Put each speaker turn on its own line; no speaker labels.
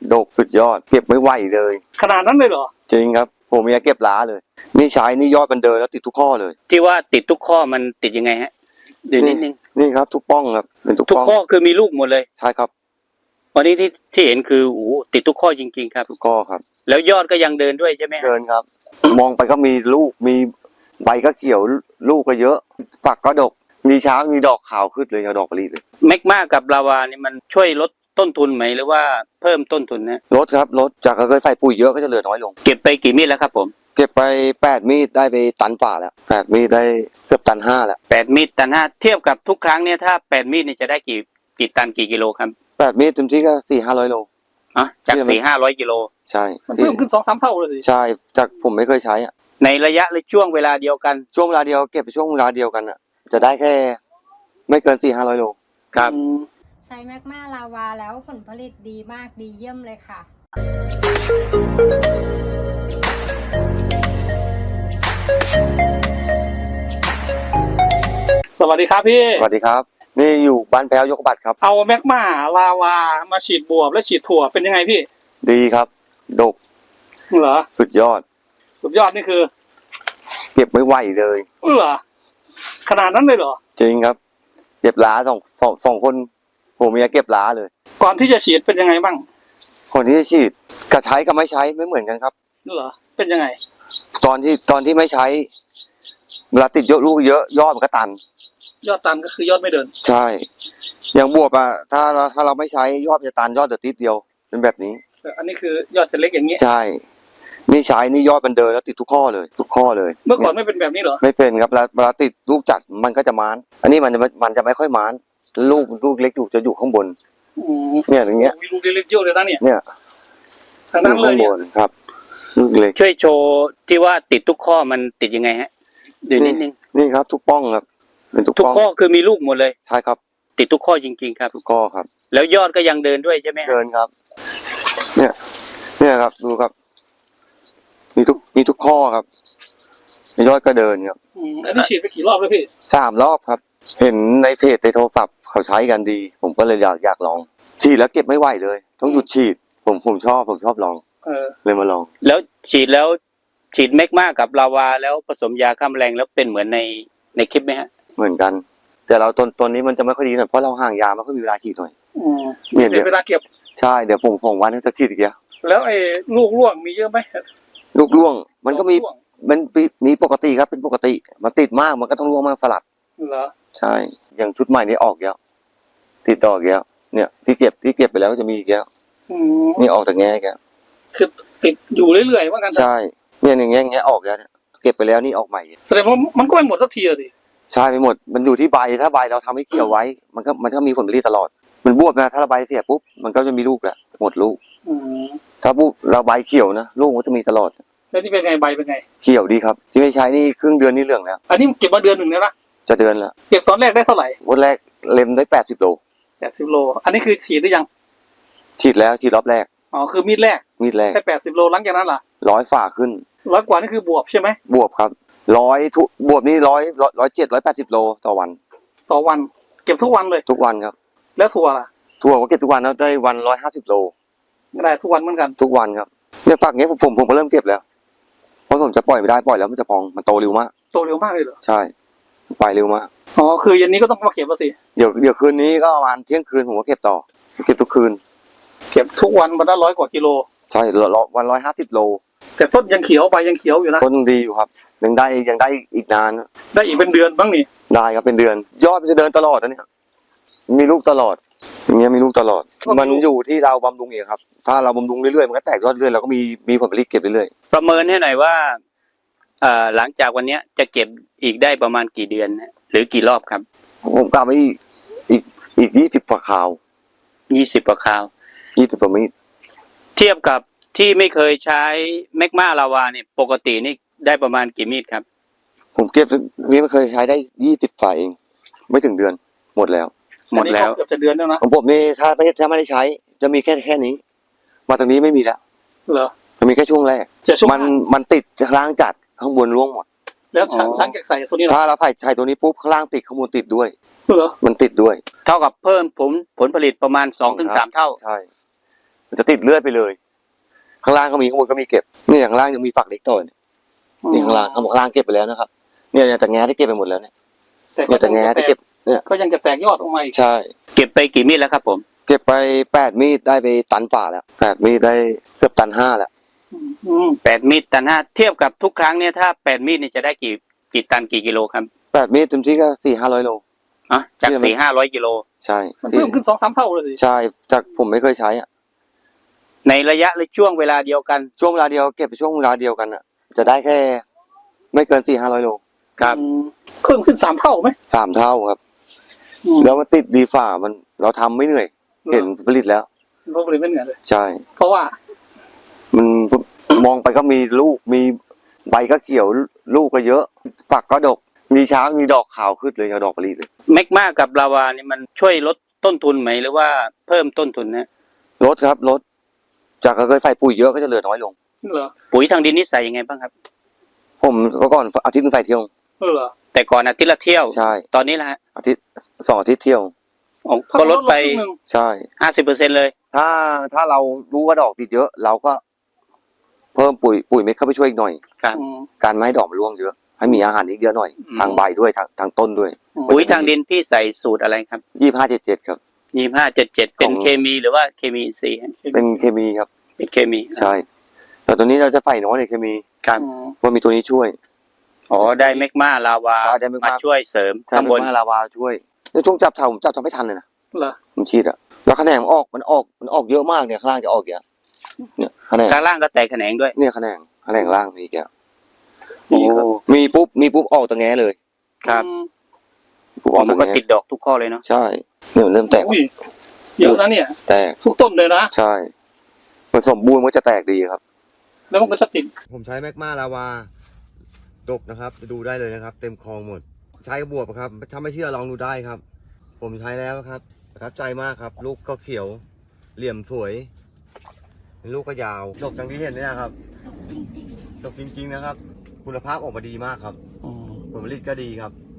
ดกสุดยอดเก็บไม่ไหวเลย
ขนาดนั้นเลยเหรอ
จริงครับผมอยากเก็บล้าเลยนี่ใช้นี่ยอดมันเดินแล้วติดทุกข้อเลย
ที่ว่าติดทุกข้อมันติดยังไงฮะเดี๋ยวนิดนึง
นี่ครับทุกป้องครับเป็นทุก
ข้อคือมีลูกหมดเลย
ใช่ครับ
วันนี้ที่เห็นคือโอ้ติดทุกข้อจริงๆครับ
ทุกข้อครับ
แล้วยอดก็ยังเดินด้วยใช่ไหม
เดินครับ มองไปก็มีลูกมีใบก็เขียวลูกก็เยอะฝักก็ดกมีช้างมีดอกขาวขึ้นเลยดอกมะลิเลย
แมกมากับลาวานี่มันช่วยลดต้นทุนไหมหรือว่าเพิ่มต้นทุนนะ
ลดครับลดจากเคยใส่ปุ๋ยเยอะก็จะเหลือน้อยลง
เก็บไปกี่มีดแล้วครับผม
เก็บไป8 มีดได้ไปตันฝ่าแล้ว8 มีดได้เกือบตัน 5แล้ว
8 มีดตัน 5เทียบกับทุกครั้งเนี่ยถ้า8 มีดนี่จะได้กี่ตันกี่กิโลครับ
8 มีดเต็มที่ก็400-500 โล
จาก400-500 กิโล
ใช่
มันเพิ่มขึ้น 2-3 เท่าเลยสิ
ใช่จากผมไม่เคยใช้
ในระยะและช่วงเวลาเดียวกัน
ช่วงเวลาเดียวเก็บไปช่วงเวลาเดียวกันจะได้แค่ไม่เกิน400-500 โล
ครับ
ใช้แมกมาลาวาแล้วผลผลิตดีมากดีเยี่ยมเลยค่ะ
สวัสดีครับพี่
สวัสดีครับนี่อยู่บ้านแพ้วยกบัตรครับ
เอาแมกมาลาวามาฉีดบวบและฉีดถั่วเป็นยังไงพี่
ดีครับดก
เหรอ
สุดยอด
นี่คือ
เก็บไม่ไหวเลย
เหรอขนาดนั้นเลยเหรอ
จริงครับเก็บล้าสองคนผมอยากเก็บล้าเลย
ก่อนที่จะฉีดเป็นยังไงบ้าง
คนที่จะฉีดกับใช้กับไม่ใช้ไม่เหมือนกันครับ
เหรอเป็นยังไง
ตอนที่ไม่ใช้เวลาติดเยอะลูกเยอะยอดมันก็ตัน
ยอดตันก็คือยอดไม่เดิน
ใช่อย่างบวบถ้าเราไม่ใช้ยอดจะตันยอดเดือดติดเดียวเป็นแบบนี้
อันนี้คือยอดจะเล็กอย่างนี้
ใช่นี่ใช้นี่ยอดมันเดินแล้วติดทุกข้อเลย
เมื่อก่อนไม่เป็นแบบนี้เหรอ
ไม่เป็นครับเวลาติดลูกจัดมันก็จะม้านอันนี้มันจะไม่ค่อยม้านลูกเล็กจะอยู่ข้างบนเนี่ยอย่างเงี้ย
มีลูกเล็กเยอะเลยนะ
เนี่ย
ทางนั้นเลย
ครับลูกเล็ก
ช่วยโชว์ที่ว่าติดทุกข้อมันติดยังไงฮะเดี๋ยวนิดนึง
นี่ครับทุกป้องครับเป็นทุก
ข้อคือมีลูกหมดเลย
ใช่ครับ
ติดทุกข้อจริงๆครับ
ทุกข้อครับ
แล้วยอดก็ยังเดินด้วยใช่ไหม
เดินครับเนี่ยครับดูครับมีทุกข้อครับยอดก็เดินครับ
อันนี้ฉีดไปกี่รอบแล้วพี่
3 รอบครับเห็นในเพจในโทรศัพท์เขาใช้กันดีผมก็เลยอยากลองฉีดแล้วเก็บไม่ไหวเลยต้องหยุดฉีดผมชอบลองเลยมาลอง
แล้วฉีดแมกมากับลาวาแล้วผสมยาฆ่าแมลงแล้วเป็นเหมือนในคลิปไหมฮะ
เหมือนกันแต่เราต้นนี้มันจะไม่ค่อยดีหน่อยเพราะเราห่างยาไม่ค่อยมีเวลาฉีดหน่อย
เนี่ยเวลาเก็บ
ใช่เดี๋ยวผมวันจะฉีดอีก
แล้วไอ้ลูกร่วงมีเยอะไหม
ลูกร่วงมันก็มีปกติครับเป็นปกติมันติดมากมันก็ต้องร่วงมากสลัด
เหรอ
ใช่อย่างชุดใหม่นี้ออกแล้วติดต่อแล้วเนี่ยที่เก็บไปแล้วก็จะมีอีกแล้วนี่ออกจากแง่แก
คือติดอยู่เรื่อยๆว่ากัน
ใช่เนี่ยอย่างเงี้ยออกแล้วเก็บไปแล้วนี่ออกใหม่
แสดงว่ามันก็ไม่หมดสักทีสิ
ใช่ไม่หมดมันอยู่ที่ใบถ้าใบเราทำให้เกี่ยวไว้มันก็มีผลผลิตตลอดมันบวบนะถ้าเราใบเสียปุ๊บมันก็จะมีลูกแหละหมดลูกถ้าปุ๊บเราใบเขียวนะลูกมันจะมีตลอด
แล้วนี่เป็นไงใบเป็นไง
เขียวดีครับที่ไม่ใช้นี่ครึ่งเดือนนี่เหลืองแล้ว
อันนี้เก็บมาเดือนหนึ่งแล้วนะ
จะเดือนแล้ว
เก็บตอนแรกได้เท่าไหร่
วันแรกเล็มได้80 โล
อันนี้คือฉีดหรือยัง
ฉีดแล้วฉีดรอบแรก
อ๋อคือมีดแรกได้80 โลหลังจากนั้นล่ะ
100 ฝ่าขึ้น
100 กว่านี่คือบวบใช่ไหม
บวบครับบวบนี่107-180 โลต่อวัน
เก็บทุกวันเลย
ทุกวันครับ
แล้วถั่วล่ะ
ถั่วก็เก็บทุกวันแล้วได้วัน150 โล
ได้ทุกวันเหมือนกัน
ทุกวันครับเนี่ยฝักนี้ผมก็เริ่มเก็บแล้วเพราะผมจะปล่อยไม่ได้ปล่อยแล้วมันจะพองมันโตเร็วมาก
เลยเหรอ
ใช่ไปเร็วมาก
อ๋อคือเย็นนี้ก็ต้องมาเก็บแล้วสิ
เดี๋ยวคืนนี้ก็ประมาณเที่ยงคืนผมก็เก็บต่อเก็บทุกคืน
เก็บทุกวันวันละ100 กว่ากิโล
ใช่วัน150 โล
แต่ต้นยังเขียวใบยังเขียวอยู่นะ
ต้นดีอยู่ครับยังได้อีกนาน
ได้อีกเป็นเดือนบ้างนี่
ได้ครับเป็นเดือนยอดมันจะเดินตลอดนะเนี่ยมีลูกตลอดอย่างเงี้ยมีลูกตลอดมันอยู่ที่เราบำรุงเองครับถ้าเราบำรุงเรื่อยๆมันก็แตกยอดเรื่อยเราก็มีผลผลิตเก็บเรื่อย
ๆประเมินให้หน่อยว่าหลังจากวันนี้จะเก็บอีกได้ประมาณกี่เดือนหรือกี่รอบครับ
ผมกะไว้อีก20 ฝ่าคราว
20 ฝ่าคราว
20 ฝ่ามีด
เทียบกับที่ไม่เคยใช้แมกมาลาวาเนี่ยปกตินี่ได้ประมาณกี่มีดครับ
ผมเก็บไม่เคยใช้ได้20 ฝ่าเองไม่ถึงเดือนหมดแล้ว
เกือบจะเดือนแล้วนะ
ของผมนี่ถ้าไม่ได้ใช้จะมีแค่นี้มาตรงนี้ไม่มีแล้ว
เหรอ
มันมีแค่ช่วงแรกมันติดข้างล่างจัดข้างบนร่วงหมด
แล้วหลังจากใส่ตัวนี้
ถ้าเราใส่ตัวนี้ปุ๊บข้างล่างติดข้างบนติดด้วย
เหรอ
มันติดด้วย
เท่ากับเพิ่มผลผลิตประมาณ2-3 เท่า
ใช่มันจะติดเลือดไปเลย ข้างล่างก็มีข้างบนก็มีเก็บนี่ข้างล่างยังมีฝักเล็กต่อเนี่ยนี่ข้างล่างเก็บไปแล้วนะครับเนี่ยจะแง้ที่เก็บไปหมดแล้วเนี่ย
แต่
เนี่ยจะแง้ที่เก็บเนี่ย
ก็ยังจะแตกยอดออกมาอีก
ใช่
เก็บไปกี่มีดแล้วครับผม
เก็บไป8 มีดได้ไปตันฝ่าแล้ว8 มีดได้เกือบตัน 5แล้ว
8 มีดตัน 5เทียบกับทุกครั้งเนี่ยถ้า8 มีดเนี่ยจะได้กี่ตันกี่กิโลครับ
8 มีดเต็มที่ก็400-500 โล
อ่ะจาก 400-500 กิโล
ใช่
มันเพิ่มขึ้น 2-3 เท่าเลยสิ
ใช่จากผมไม่เคยใช้อ่ะ
ในระยะและช่วงเวลาเดียวกัน
ช่วงเวลาเดียวเก็บไปช่วงเวลาเดียวกันอ่ะ จะได้แค่ไม่เกิน400-500 โล
ครับ
เพิ่มขึ้น 3 เท่าไหม
3 เท่าครับ แล้วมันติดดีฝ่ามันเราทำไม่เหนื่อย เห็นผลิตแล้ว
ลบเลยไม่เหนื่อยเลย
ใช่
เพราะว่า
มันมองไปก็มีลูกมีใบก็เขียวลูกก็เยอะ ฝักก็ดก มีช้างมีดอกขาวขึ้นเลยเอาดอกผลิตเลย
แมกมากับลาวานี่มันช่วยลดต้นทุนไหมหรือว่าเพิ่มต้นทุนนะ
ลดครับลดจากเคยใส่ปุ๋ยเยอะก็จะเหลือน้อยลง
เหรอ
ปุ๋ยทางดินนี่ใส่ยังไงบ้างครับ
ผมก็ก่อนอาทิตย์นึงใส่เที่ยว
เหรอ
แต่ก่อนอาทิตย์ละเที่ยว
ใช่
ตอนนี้ละฮะ
อาทิตย์2 อาทิตย์เที่ยว
อ๋อก็ลดไป
ครึ่งหนึ่ง
ใช่
50%เลย
ถ้าเรารู้ว่าดอกติดเยอะ เราก็เพิ่มปุ๋ยเม็ดเข้าไปช่วยอีกหน่อย
ครับ
การไม่ให้ดอกมันร่วงเยอะ ให้มีอาหารอีกเยอะหน่อย
อืม
ทางใบด้วยทางต้นด้วย
ปุ๋ยทางดินพี่ใส่สูตรอะไรครับ
25-77ครับ
25-77เป็น
ของ
เคมีหรือว่าเคมีอินทรีย์ฮะ
เป็นเคมีครับ
เป็นเคมี
ใช่ แต่ตัวนี้เราจะใส่น้อยในเคมี
ครับ
เพราะมีตัวนี้ช่วย
อ๋อได้แมกมาลาวา
ใช่ได้แมกมา
มาช่วยเสริม
ใช่
ข้างบน
มาลาวาช่วยในช่วงจับเถาผมจับไม่ทันเลยนะ
เหรอ
ผมฉีดอะแล้วแขนงมันออกเยอะมากเนี่ยข้างล่างจะออกเยอะเนี่ยแขนง
ข้างล่างก็แตกแขนงด้วย
เนี่ยแขนงล่างมีแก
โอ้
มีปุ๊บออกตะแง้เลย
ครับ
ปุ๊บอ
อ๋
อ
อก มัน
ตะ
ก็
แง้
ติดดอกทุกข้อเลยเนาะ
ใช่เนี่ยมันเริ่มแตก
อุ้ยเยอะนะเนี่ย
แตก
ทุกต้นเลยนะ
ใช่ผสมบูรณ์มันจะแตกดีครับ
แล้วมันก็จะติด
ผมใช้แมกมาลาวาดกนะครับดูได้เลยนะครับ เต็มคลองหมด ใช้กระบวบครับถ้าไม่เชื่อลองดูได้ครับ ผมใช้แล้วครับประทับใจมากครับ ลูกก็เขียวเหลี่ยมสวยลูกก็ยาวดกจังที่เห็นเนี่ยนะครับดกจริงๆนะครับ คุณภาพออกมาดีมากครับผลผลิตก็ดีครับ